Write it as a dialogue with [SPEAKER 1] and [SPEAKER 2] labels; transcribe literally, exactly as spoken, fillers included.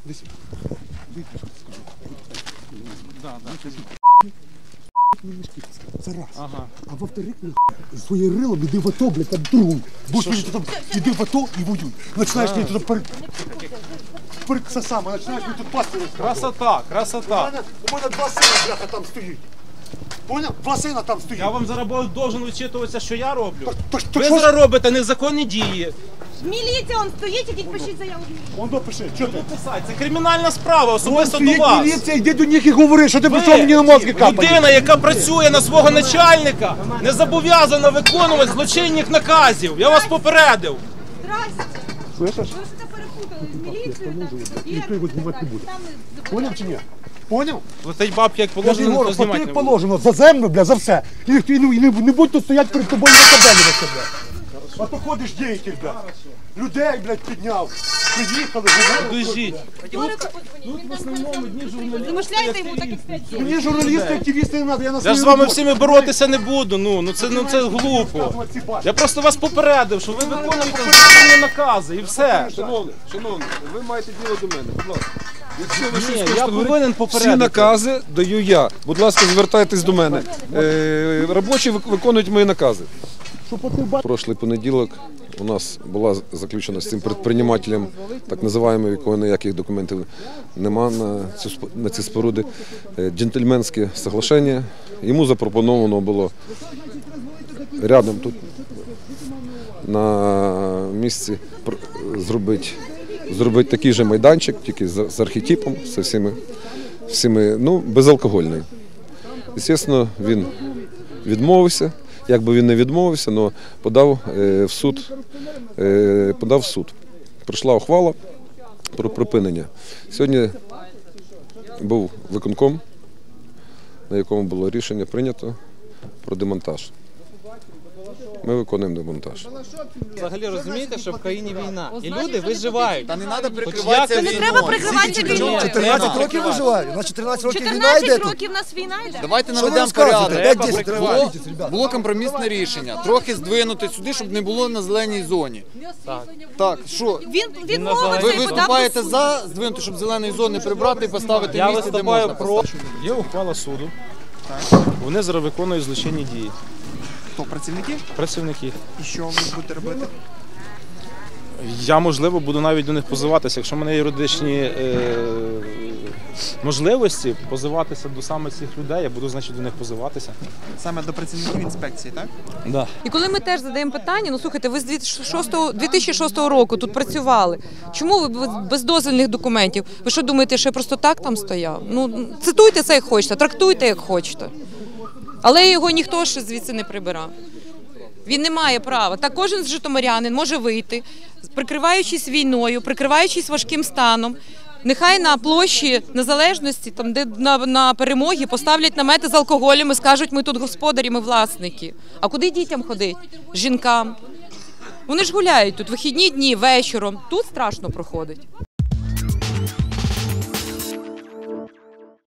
[SPEAKER 1] Десь.
[SPEAKER 2] Да, да.
[SPEAKER 1] Це раз.
[SPEAKER 2] Ага.
[SPEAKER 1] А во-вторых, своє рилом іди в АТО, блядь, там другу. Будеш мені тут, іди в АТо і воюй. Починаєш мені тут пер... Пер... Це саме, починаєш мені тут пасти розказувати.
[SPEAKER 2] Красота, красота.
[SPEAKER 1] У мене, у мене два сина, бляха, там стоїть. Поняв? Два сина там стоїть.
[SPEAKER 2] Я вам зараз должен вичитуватися, що я роблю.
[SPEAKER 1] То, то,
[SPEAKER 2] Ви
[SPEAKER 1] що
[SPEAKER 2] зараз робите незаконні дії.
[SPEAKER 3] Міліція, он стоїть, ідіть пишіть заяву.
[SPEAKER 1] Он допиши, що ти?
[SPEAKER 2] Писать, це кримінальна справа,
[SPEAKER 1] Вон
[SPEAKER 2] особисто до
[SPEAKER 1] стоїть
[SPEAKER 2] вас.
[SPEAKER 1] міліція, йди до них і говори, що ти
[SPEAKER 2] Ви,
[SPEAKER 1] прийшов мені на мозки капати.
[SPEAKER 2] людина, яка працює на свого начальника, не зобов'язана виконувати злочинних наказів. Я вас попередив.
[SPEAKER 3] Здрасте.
[SPEAKER 1] Слышиш?
[SPEAKER 3] Ви все перепутали. Міліцію там.
[SPEAKER 1] Ніхто його знімати не буде. Поняв чи ні? Поняв?
[SPEAKER 2] Летить бабки, як
[SPEAKER 1] Я ж
[SPEAKER 2] положено,
[SPEAKER 1] говорю,
[SPEAKER 2] то знімати
[SPEAKER 1] як
[SPEAKER 2] не буду.
[SPEAKER 1] положено, за землю, бля, за все. І, і, і, і не, не будь тут стоять перед тобою і накабелюватися, бля. А то ходиш діятель, бля. Людей, блядь, підняв. Приїхали, говорили.
[SPEAKER 2] Біжіть.
[SPEAKER 3] Тут в основному дні журналісти. Замишляйте йому так, як п'ять.
[SPEAKER 1] Мені журналісти, активісти не треба, я на
[SPEAKER 2] Я
[SPEAKER 1] свою
[SPEAKER 2] ж з вами
[SPEAKER 1] роботу.
[SPEAKER 2] всіми боротися не буду, ну, ну це, ну це глупо.
[SPEAKER 1] Розказувати ці бачки.
[SPEAKER 2] Я просто вас попередив, що ви виконуєте злочинні накази і все.
[SPEAKER 4] Шановний, шановний, ви маєте діло до мене, будь ласка. Якщо ви щось
[SPEAKER 2] Ні,
[SPEAKER 4] хочете
[SPEAKER 2] я
[SPEAKER 4] говорити,
[SPEAKER 2] повинен
[SPEAKER 4] всі
[SPEAKER 2] попередити.
[SPEAKER 4] накази даю я. Будь ласка, звертайтесь до мене. Е, робочі вик- виконують мої накази. Прошлий понеділок у нас була заключена з цим підприємцем, так називаємо, якого ніяких документів нема на, цю, сп- на ці споруди, е, джентльменське соглашення. Йому запропоновано було рядом тут на місці пр- зробити, зробити такий же майданчик, тільки з, з архетипом, з всіми, всіми, ну, безалкогольний. Звісно, він відмовився. Якби він не відмовився, але подав е, в суд, е, подав в суд. Прийшла ухвала про припинення. Сьогодні був виконком, на якому було рішення прийнято про демонтаж. Ми виконуємо демонтаж.
[SPEAKER 5] Взагалі розумієте, що в країні війна, і люди виживають.
[SPEAKER 6] Та не треба
[SPEAKER 5] як-
[SPEAKER 6] прикриватися
[SPEAKER 3] Не
[SPEAKER 6] війною.
[SPEAKER 3] треба прикриватися війною.
[SPEAKER 7] чотирнадцять років виживаю, на чотирнадцять років війна йде
[SPEAKER 3] чотирнадцять
[SPEAKER 7] тут.
[SPEAKER 3] років у нас війна йде.
[SPEAKER 6] Давайте
[SPEAKER 7] Що ви
[SPEAKER 6] наведемо
[SPEAKER 7] розказуєте?
[SPEAKER 6] порядок.
[SPEAKER 7] п'ять десять
[SPEAKER 6] Було,
[SPEAKER 7] тривають, ребята.
[SPEAKER 6] було компромісне рішення. Трохи здвинути сюди, щоб не було на зеленій зоні. Так, що?
[SPEAKER 3] Він відмовився
[SPEAKER 6] Ви
[SPEAKER 3] і подав
[SPEAKER 6] виступаєте
[SPEAKER 3] до суду.
[SPEAKER 6] за здвинути, щоб зеленої зони прибрати і поставити
[SPEAKER 2] Я
[SPEAKER 6] в місці, де
[SPEAKER 2] виступаю
[SPEAKER 6] можна
[SPEAKER 2] про...
[SPEAKER 6] поставити?
[SPEAKER 2] Є ухвала суду. Вони зараз виконують злочинні дії.
[SPEAKER 8] Хто, працівники?
[SPEAKER 2] Працівники.
[SPEAKER 8] І що ви будете робити?
[SPEAKER 2] Я, можливо, буду навіть до них позиватися. Якщо в мене є юридичні е, можливості позиватися до саме цих людей, я буду, значить, до них позиватися.
[SPEAKER 8] Саме до працівників інспекції, так?
[SPEAKER 2] Да.
[SPEAKER 9] І коли ми теж задаємо питання, ну слухайте, ви з дві тисячі шостого року тут працювали. Чому ви без- без дозвільних документів? Ви що думаєте, що я просто так там стояв? Ну, цитуйте це як хочете, трактуйте як хочете. Але його ніхто ще звідси не прибирав. Він не має права. Так кожен з житомирянин може вийти, прикриваючись війною, прикриваючись важким станом. Нехай на площі Незалежності, там де на, на перемоги, поставлять намети з алкоголем і скажуть, ми тут господарі, ми власники. А куди дітям ходить? Жінкам. Вони ж гуляють тут вихідні дні, вечором. Тут страшно проходить.